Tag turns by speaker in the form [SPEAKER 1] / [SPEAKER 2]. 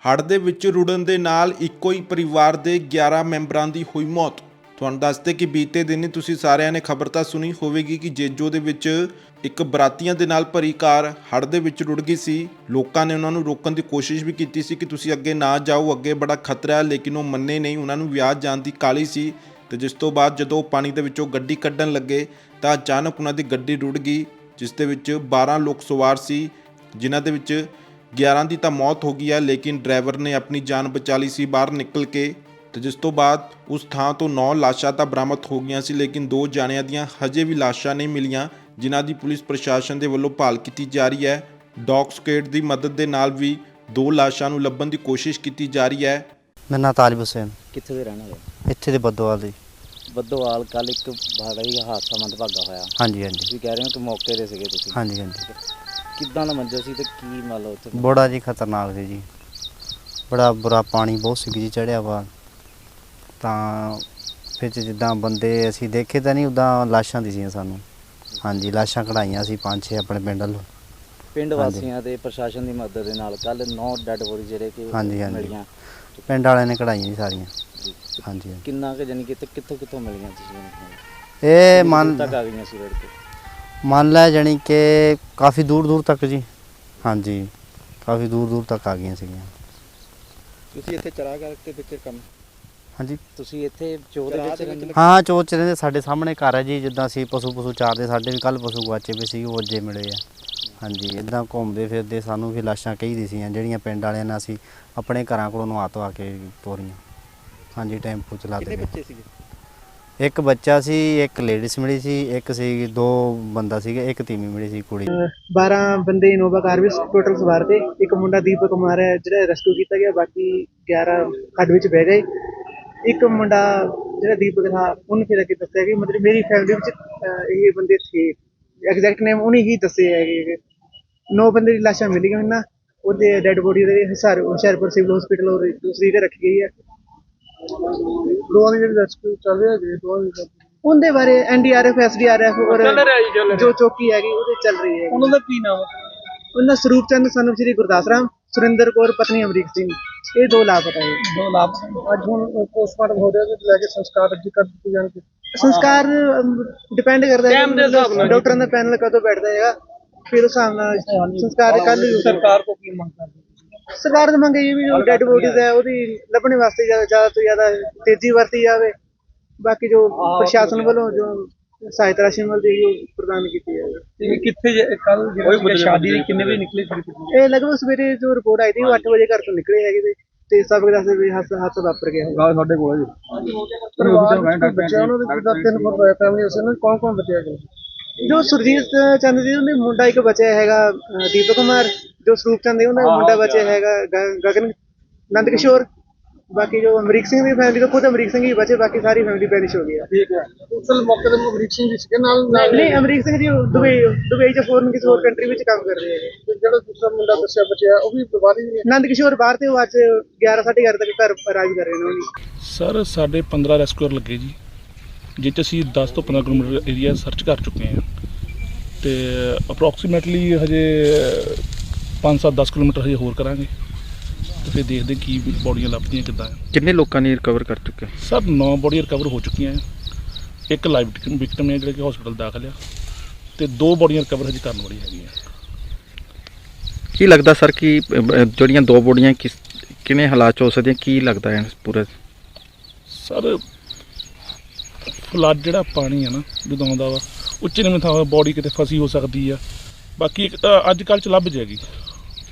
[SPEAKER 1] ਹੜ੍ਹ ਦੇ ਵਿੱਚ ਰੁੜਨ ਦੇ ਨਾਲ ਇੱਕੋ ਹੀ ਪਰਿਵਾਰ ਦੇ 11 ਮੈਂਬਰਾਂ ਦੀ ਹੋਈ ਮੌਤ। ਤੁਹਾਨੂੰ ਦੱਸਦੇ ਕਿ ਬੀਤੇ ਦਿਨ ਤੁਸੀਂ ਸਾਰਿਆਂ ਨੇ ਖਬਰ ਤਾਂ ਸੁਣੀ ਹੋਵੇਗੀ ਕਿ ਜੇਜੋ ਦੇ ਵਿੱਚ ਇੱਕ ਬਰਾਤੀਆਂ ਦੇ ਨਾਲ ਭਰੀ ਕਾਰ ਹੜ੍ਹ ਦੇ ਵਿੱਚ ਰੁੜ ਗਈ ਸੀ। ਲੋਕਾਂ ਨੇ ਉਹਨਾਂ ਨੂੰ ਰੋਕਣ ਦੀ ਕੋਸ਼ਿਸ਼ ਵੀ ਕੀਤੀ ਸੀ ਕਿ ਤੁਸੀਂ ਅੱਗੇ ਨਾ ਜਾਓ, ਅੱਗੇ ਬੜਾ ਖਤਰਾ ਹੈ, ਲੇਕਿਨ ਉਹ ਮੰਨੇ ਨਹੀਂ। ਉਹਨਾਂ ਨੂੰ ਵਿਆਹ ਜਾਣ ਦੀ ਕਾਹਲੀ ਸੀ ਤੇ ਜਿਸ ਤੋਂ ਬਾਅਦ ਜਦੋਂ ਉਹ ਪਾਣੀ ਦੇ ਵਿੱਚੋਂ ਗੱਡੀ ਕੱਢਣ ਲੱਗੇ ਤਾਂ ਅਚਾਨਕ ਉਹਨਾਂ ਦੀ ਗੱਡੀ ਰੁੜ ਗਈ, ਜਿਸ ਦੇ ਵਿੱਚ 12 ਲੋਕ ਸਵਾਰ ਸੀ, ਜਿਨ੍ਹਾਂ ਦੇ ਵਿੱਚ 11 ਦੀ ਤਾਂ ਮੌਤ ਹੋ ਗਈ ਹੈ, ਲੇਕਿਨ ਡਰਾਈਵਰ ਨੇ ਆਪਣੀ ਜਾਨ ਬਚਾ ਲਈ ਸੀ ਬਾਹਰ ਨਿਕਲ ਕੇ। ਤੇ ਜਿਸ ਤੋਂ ਬਾਅਦ ਉਸ ਥਾਂ ਤੋਂ 9 ਲਾਸ਼ਾਂ ਤਾਂ ਬਰਾਮਦ ਹੋ ਗਈਆਂ ਸੀ, ਲੇਕਿਨ 2 ਜਾਣਿਆਂ ਦੀਆਂ ਹਜੇ ਵੀ ਲਾਸ਼ਾਂ ਨਹੀਂ ਮਿਲੀਆਂ, ਜਿਨ੍ਹਾਂ ਦੀ ਪੁਲਿਸ ਪ੍ਰਸ਼ਾਸਨ ਦੇ ਵੱਲੋਂ ਭਾਲ ਕੀਤੀ ਜਾ ਰਹੀ ਹੈ। ਡੌਗ ਸਕੁਐਡ ਦੀ ਮਦਦ ਦੇ ਨਾਲ ਵੀ 2 ਲਾਸ਼ਾਂ ਨੂੰ ਲੱਭਣ ਦੀ ਕੋਸ਼ਿਸ਼ ਕੀਤੀ ਜਾ ਰਹੀ ਹੈ।
[SPEAKER 2] ਮੇਰਾ ਨਾਂ ਤਾਲਿਬ ਹੁਸੈਨ।
[SPEAKER 3] ਕਿੱਥੇ ਦੇ ਰਹਿਣ ਵਾਲੇ?
[SPEAKER 2] ਇੱਥੇ ਦੇ ਬੱਦੋਵਾਲ ਦੇ।
[SPEAKER 3] ਬੱਦੋਵਾਲ। ਕੱਲ ਇੱਕ ਬੜਾ ਹੀ ਹਾਦਸਾ ਮੰਦਭਾਗਾ ਹੋਇਆ।
[SPEAKER 2] ਹਾਂਜੀ ਹਾਂਜੀ।
[SPEAKER 3] ਤੁਸੀਂ ਕਹਿ ਰਹੇ ਹੋ ਕਿ ਮੌਕੇ ਤੇ ਸੀਗੇ ਤੁਸੀਂ?
[SPEAKER 2] ਹਾਂਜੀ ਹਾਂਜੀ।
[SPEAKER 3] ਕਿੱਦਾਂ ਦਾ ਮੰਜ਼ਰ ਸੀ ਤੇ ਕੀ ਮੰਨ ਲਓ ਉੱਥੇ?
[SPEAKER 2] ਬੜਾ ਜੀ ਖਤਰਨਾਕ ਸੀ ਜੀ, ਬੜਾ ਬੁਰਾ ਪਾਣੀ ਬਹੁਤ ਸੀ ਜੀ ਚੜ੍ਹਿਆ ਵਾ। ਤਾਂ ਫਿਰ ਜਿੱਦਾਂ ਬੰਦੇ ਅਸੀਂ ਦੇਖੇ ਤਾਂ ਨਹੀਂ, ਉੱਦਾਂ ਲਾਸ਼ਾਂ ਦਿਸੀਆਂ ਸਾਨੂੰ। ਹਾਂਜੀ, ਲਾਸ਼ਾਂ ਕਢਾਈਆਂ ਸੀ 5-6 ਆਪਣੇ ਪਿੰਡ ਵੱਲੋਂ।
[SPEAKER 3] ਪਿੰਡ ਵਾਸੀਆਂ ਦੇ ਪ੍ਰਸ਼ਾਸਨ ਦੀ ਮਦਦ ਦੇ ਨਾਲ ਕੱਲ 9 ਡੈਡ ਬੋਡੀ ਜਿਹੜੇ ਕਿ
[SPEAKER 2] ਹਾਂਜੀ ਹਾਂਜੀ,
[SPEAKER 3] ਮਿਲੀਆਂ
[SPEAKER 2] ਪਿੰਡ ਵਾਲਿਆਂ ਨੇ ਕਢਾਈਆਂ ਜੀ ਸਾਰੀਆਂ। ਹਾਂਜੀ।
[SPEAKER 3] ਕਿੰਨਾ ਕੁ ਜਾਨੀ ਕਿ ਕਿੱਥੋਂ ਮਿਲੀਆਂ ਤੁਸੀਂ?
[SPEAKER 2] ਇਹ ਮੰਨ
[SPEAKER 3] ਤੱਕ ਆ ਗਈਆਂ ਸੀ ਰੋਡ ਤੇ?
[SPEAKER 2] ਮੰਨ ਲੈ ਜਾਣੀ ਕਿ ਕਾਫੀ ਦੂਰ ਦੂਰ ਤੱਕ ਜੀ। ਹਾਂਜੀ, ਕਾਫੀ ਦੂਰ ਦੂਰ ਤੱਕ ਆ ਗਈਆਂ ਸੀਗੀਆਂ।
[SPEAKER 3] ਤੁਸੀਂ ਇੱਥੇ ਚਰਾ ਕਰਕੇ ਵਿੱਚ ਕੰਮ?
[SPEAKER 2] ਹਾਂਜੀ,
[SPEAKER 3] ਤੁਸੀਂ ਇੱਥੇ ਚੋਰ ਦੇ ਵਿੱਚ ਰਹਿੰਦੇ?
[SPEAKER 2] ਹਾਂ, ਚੋਰ ਚ ਰਹਿੰਦੇ। ਸਾਡੇ ਸਾਹਮਣੇ ਘਰ ਹੈ ਜੀ, ਜਿੱਦਾਂ ਅਸੀਂ ਪਸ਼ੂ ਚਾਰਦੇ, ਸਾਡੇ ਵੀ ਕੱਲ ਪਸ਼ੂ ਗਵਾਚੇ ਪਏ ਸੀ, ਉਹ ਅੱਜੇ ਮਿਲੇ ਆ। ਹਾਂਜੀ, ਇੱਦਾਂ ਘੁੰਮਦੇ ਫਿਰਦੇ ਸਾਨੂੰ ਵੀ ਲਾਸ਼ਾਂ ਕਈ ਦਿਸੀਆਂ, ਜਿਹੜੀਆਂ ਪਿੰਡ ਵਾਲਿਆਂ ਨਾਲ ਅਸੀਂ ਆਪਣੇ ਘਰਾਂ ਕੋਲੋਂ ਨਵਾ ਧਵਾ ਕੇ ਤੋਰੀਆਂ। ਹਾਂਜੀ, ਟੈਂਪੂ ਚਲਾਦੇ।
[SPEAKER 3] ਕਿੰਨੇ ਬੱਚੇ ਸੀਗੇ?
[SPEAKER 2] ਇੱਕ ਬੱਚਾ ਸੀ, ਇੱਕ ਲੇਡੀਜ਼ ਮਿਲੀ ਸੀ, ਇੱਕ ਸੀ 2 ਬੰਦਾ ਸੀਗਾ, ਇੱਕ ਤੀਵੀਂ ਮਿਲੀ ਸੀ ਕੁੜੀ।
[SPEAKER 4] 12 ਬੰਦੇ ਇਨੋਵਾ ਕਾਰ ਵਿੱਚ ਟੋਟਲ ਸਵਾਰ ਤੇ। ਇੱਕ ਮੁੰਡਾ ਦੀਪਕ ਕੁਮਾਰ ਹੈ ਜਿਹੜਾ ਰੈਸਕਿਊ ਕੀਤਾ ਗਿਆ, ਬਾਕੀ 11 ਖੱਡ ਵਿੱਚ ਬਹਿ ਗਏ। ਇੱਕ ਮੁੰਡਾ ਜਿਹੜਾ ਦੀਪਕ था ਉਹਨੇ ਫਿਰ ਅੱਗੇ ਦੱਸਿਆ ਕਿ ਮਤਲਬ ਮੇਰੀ ਫੈਮਿਲੀ ਵਿੱਚ ਇਹ ਬੰਦੇ ਥੇ, ਐਗਜ਼ੈਕਟ ਨੇਮ ਉਹਨੇ ਹੀ ਦੱਸੇ ਹੈਗੇ। 9 ਬੰਦੇ ਦੀ ਲਾਸ਼ਾਂ ਮਿਲ ਗਈਆਂ ਨਾ, ਉਹਦੇ ਡੈਡ ਬੋਡੀ ਦੇ ਹੁਸ਼ਿਆਰਪੁਰ ਸਿਵਲ ਹਸਪੀਟਲ ਔਰ ਦੂਸਰੀ ਤੇ ਰੱਖੀ ਗਈ ਹੈ। ਦੋਵਾਂ ਦੀ ਜਿਹੜੀ ਰੈਸਕਿਊ ਚੱਲ ਰਿਹਾ ਜੀ, ਦੋਵਾਂ ਦੀ ਉਹਦੇ ਬਾਰੇ NDRF SDRF ਔਰ ਜੋ ਚੌਕੀ ਹੈਗੀ ਉਹਦੇ ਚੱਲ ਰਹੀ ਹੈ। ਉਹਨਾਂ ਦਾ ਕੀ ਨਾਮ ਹੈ? ਉਹਨਾਂ ਸਰੂਪ ਚੰਦ ਸਨ ਸ਼੍ਰੀ ਗੁਰਦਾਸ ਰਾਮ, ਸੁਰਿੰਦਰ ਕੌਰ ਪਤਨੀ ਅਮਰੀਕ ਸਿੰਘ, ਇਹ 2 ਲਾਪਤਾ ਹੈ। 2 ਲਾਪਤਾ। ਅੱਜ ਹੁਣ ਪੋਸਟਮਾਰਟਮ ਹੋ ਰਿਹਾ ਤੇ ਲੈ ਕੇ ਸੰਸਕਾਰ ਅੱਜ ਕਰ ਦਿੱਤੇ ਜਾਣਗੇ। ਸੰਸਕਾਰ ਡਿਪੈਂਡ ਕਰਦਾ ਹੈ ਡਾਕਟਰਾਂ ਦਾ ਪੈਨਲ ਕਦੋਂ ਬੈਠਦਾ ਹੈਗਾ, ਫਿਰ ਉਸ ਹਿਸਾਬ ਨਾਲ ਸੰਸਕਾਰ ਕੱਲ। ਸਰਕਾਰ ਤੋਂ ਕੀ ਮੰਗ ਕਰਦੇ? ਸਰਕਾਰ ਦੀ ਮੰਗ ਇਹ ਵੀ ਜੋ ਡੈਡ ਬੋਡੀਜ਼ ਹੈ ਉਹਦੀ ਲੱਭਣ ਵਾਸਤੇ ਜ਼ਿਆਦਾ ਤੋਂ ਜ਼ਿਆਦਾ ਤੇਜ਼ੀ ਵਰਤੀ ਜਾਵੇ। ਬਾਕੀ ਜੋ ਪ੍ਰਸ਼ਾਸਨ ਵੱਲੋਂ ਜੋ ਸਹਾਇਤਾ ਰਾਸ਼ੀ ਮਿਲਦੀ ਹੈ ਉਹ ਪ੍ਰਦਾਨ ਕੀਤੀ ਜਾਵੇ। ਕਿੱਥੇ ਕੱਲ ਸ਼ਾਦੀ ਦੀ ਕਿੰਨੇ ਵਜੇ ਨਿਕਲੇ ਸੀ? ਇਹ ਲਗਭਗ ਸਵੇਰੇ ਜੋ ਰਿਪੋਰਟ ਆਈ ਸੀ ਉਹ 8 ਵਜੇ ਘਰ ਤੋਂ ਨਿਕਲੇ ਹੈਗੇ ਤੇ ਸਭ ਦੱਸਦੇ ਵੀ ਹੱਥ ਵਾਪਰ ਗਿਆ ਹੈ। ਸਾਡੇ ਕੋਲ ਜੀ ਬੱਚਿਆਂ ਨੂੰ 3 ਫੁੱਟ ਹੋਇਆ ਫੈਮਿਲੀ ਉਸ ਨੂੰ ਕੌਣ ਬਚਿਆ ਗਿਆ? ਜੋ ਸੁਰਜੀਤ ਚੰਦ ਜੀ ਉਹਦੇ ਮੁੰਡਾ ਇੱਕ ਬਚਿਆ ਹੈਗਾ, ਦੀਪਕ ਕੁਮਾਰ। ਜੋ ਸਰੂਪ ਚੰਦ ਉਹਦਾ ਮੁੰਡਾ ਬਚਿਆ ਹੈਗਾ ਗਗਨ ਨੰਦ ਕਿਸ਼ੋਰ। ਬਾਕੀ ਜੋ ਅਮਰੀਕ ਸਿੰਘ ਦੀ ਫੈਮਿਲੀ ਤੋਂ ਖੁਦ ਅਮਰੀਕ ਸਿੰਘ ਹੀ ਬਚੇ, ਬਾਕੀ ਸਾਰੀ ਫੈਮਿਲੀ ਪੈਰਿਸ਼ ਹੋ ਗਈ ਹੈ। ਠੀਕ ਹੈ। ਉਸ ਮੌਕੇ ਤੇ ਅਮਰੀਕ ਸਿੰਘ ਜੀ ਸੀਗੇ ਨਾਲ? ਨਹੀਂ, ਅਮਰੀਕ ਸਿੰਘ ਜੀ ਦੁਬਈ ਜਾਂ ਫੋਰਨ ਕਿਸੇ ਹੋਰ ਕੰਟਰੀ ਵਿੱਚ ਕੰਮ ਕਰ ਰਹੇ ਹੈਗੇ। ਜਿਹੜਾ ਦੂਸਰਾ ਮੁੰਡਾ ਦੱਸਿਆ ਬਚਿਆ ਉਹ ਵੀ ਬਾਹਰ ਹੀ? ਨੰਦ ਕਿਸ਼ੋਰ ਬਾਹਰ ਤੇ ਉਹ ਅੱਜ 11-11:30 ਤੱਕ ਘਰ ਰਾਜ ਕਰ ਰਹੇ ਨੇ।
[SPEAKER 5] ਸਰ, ਸਾਡੇ 15 ਰੈਸਕਿਊਅਰ ਲੱਗੇ ਜੀ, ਜਿਸ 'ਚ ਅਸੀਂ 10 ਤੋਂ 15 ਕਿਲੋਮੀਟਰ ਏਰੀਆ ਸਰਚ ਕਰ ਚੁੱਕੇ ਹਾਂ ਤੇ ਅਪਰੋਕਸੀਮੇਟਲੀ ਹਜੇ 5-7-10 ਕਿਲੋਮੀਟਰ ਹਜੇ ਹੋਰ ਕਰਾਂਗੇ ਤੇ ਫਿਰ ਦੇਖਦੇ ਕੀ ਬੋਡੀਆਂ ਲੱਭਦੀਆਂ ਕਿੱਦਾਂ।
[SPEAKER 6] ਕਿੰਨੇ ਲੋਕਾਂ ਨੇ ਰਿਕਵਰ ਕਰ ਚੁੱਕੇ?
[SPEAKER 5] ਸਰ 9 ਬੋਡੀਆਂ ਰਿਕਵਰ ਹੋ ਚੁੱਕੀਆਂ। ਇੱਕ ਲਾਈਵ ਵਿਕਟਮ ਹੈ ਜਿਹੜਾ ਕਿ ਹਸਪੀਟਲ ਦਾਖਲ ਆ ਤੇ 2 ਬੋਡੀਆਂ ਰਿਕਵਰ ਹਜੇ ਕਰਨ ਵਾਲੀ ਹੈਗੀਆਂ।
[SPEAKER 6] ਕੀ ਲੱਗਦਾ ਸਰ ਕਿ ਜਿਹੜੀਆਂ 2 ਬੋਡੀਆਂ ਕਿਵੇਂ ਹਾਲਾਤ 'ਚ ਹੋ ਸਕਦੀਆਂ, ਕੀ ਲੱਗਦਾ ਹੈ ਪੂਰਾ?
[SPEAKER 5] ਸਰ, ਫਲੱਡ ਜਿਹੜਾ ਪਾਣੀ ਆ ਨਾ ਜਦੋਂ ਆਉਂਦਾ ਵਾ ਉੱਚੇ ਨੀਵੇਂ ਥਾਂ ਬੋਡੀ ਕਿਤੇ ਫਸੀ ਹੋ ਸਕਦੀ ਆ। ਬਾਕੀ ਇੱਕ ਤਾਂ ਅੱਜ ਕੱਲ੍ਹ 'ਚ ਲੱਭ ਜਾਏਗੀ।